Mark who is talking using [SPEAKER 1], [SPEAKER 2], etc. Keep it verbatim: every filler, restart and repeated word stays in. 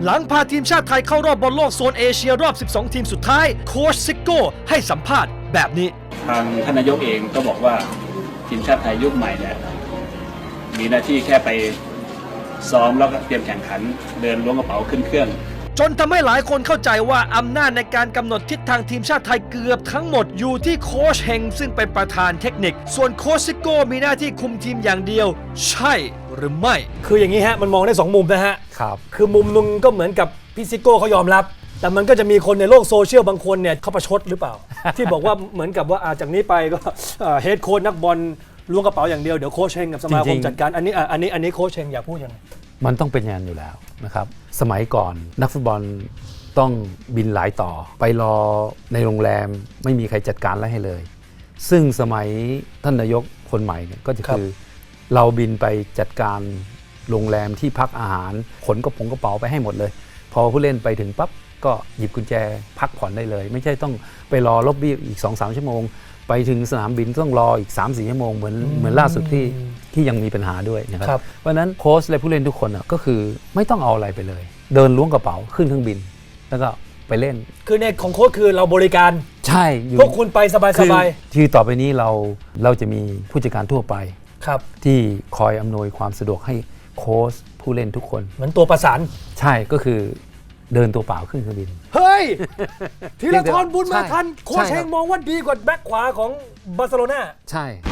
[SPEAKER 1] หลังพาทีมชาติไทยเข้ารอบบอลโลกโซนเอเชียรอบ สิบสอง ทีมสุดท้ายโค้ชซิโก้ให้สัมภาษณ์แบบนี้
[SPEAKER 2] ทางท่านนายกเองก็บอกว่าทีมชาติไทยยุคใหม่เนี่ยมีหน้าที่แค่ไปซ้อมแล้วก็เตรียมแข่งขันเดินล้วงกระเป๋าขึ้นเครื่อง
[SPEAKER 1] จนทำให้หลายคนเข้าใจว่าอำนาจในการกำหนดทิศทางทีมชาติไทยเกือบทั้งหมดอยู่ที่โค้ชเฮงซึ่งเป็นประธานเทคนิคส่วนโค้ชซิโก้มีหน้าที่คุมทีมอย่างเดียวใช่หรือไม่คืออย่างนี้ฮะมันมองได้สองมุมนะฮะ
[SPEAKER 3] ครับ
[SPEAKER 1] คือมุมนึงก็เหมือนกับพี่ซิโก้เขายอมรับแต่มันก็จะมีคนในโลกโซเชียลบางคนเนี่ยเขาประชดหรือเปล่า ที่บอกว่าเหมือนกับว่าจากนี้ไปก็เฮดโค้ชนักบอลล้วงกระเป๋าอย่างเดียวเดี๋ยวโค้ชเฮงกับสมาคมจัดการอันนี้อันนี้อันนี้โค้ชเฮงอยากพูดยังไง
[SPEAKER 3] มันต้องเป็นอย่างนั้นอยู่แล้วนะครับสมัยก่อนนักฟุตบอลต้องบินหลายต่อไปรอในโรงแรมไม่มีใครจัดการอะไรให้เลยซึ่งสมัยท่านนายกคนใหม่เนี่ยก็จะคือเราบินไปจัดการโรงแรมที่พักอาหารขนกระเป๋ากระเป๋าไปให้หมดเลยพอผู้เล่นไปถึงปั๊บก็หยิบกุญแจพักผ่อนได้เลยไม่ใช่ต้องไปรอล็อบบี้อีก สองสาม ชั่วโมงไปถึงสนามบินต้องรออีก สามสี่ ชั่วโมงเหมือนเหมือนล่าสุดที่ที่ยังมีปัญหาด้วยนะครับเพราะนั้นโค้ชและผู้เล่นทุกคนก็คือไม่ต้องเอาอะไรไปเลยเดินล้วงกระเป๋าขึ้นเครื่องบินแล้วก็ไปเล่น
[SPEAKER 1] คือในของโค้ชคือเราบริการ
[SPEAKER 3] ใช่
[SPEAKER 1] พวกคุณไปสบายสบาย
[SPEAKER 3] ที่ต่อไปนี้เราเราจะมีผู้จัดการทั่วไป
[SPEAKER 1] ครับ
[SPEAKER 3] ที่คอยอำนวยความสะดวกให้โค้ชผู้เล่นทุกคน
[SPEAKER 1] เหมือนตัวประสาน
[SPEAKER 3] ใช่ก็คือเดินตัวเปล่าขึ้นเครื่องบิน
[SPEAKER 1] เฮ้ยธีรทรบุญมาทันโค้ชเฮงมองว่าดีกว่าแบ็คขวาของบาร์เซโลนา
[SPEAKER 3] ใช่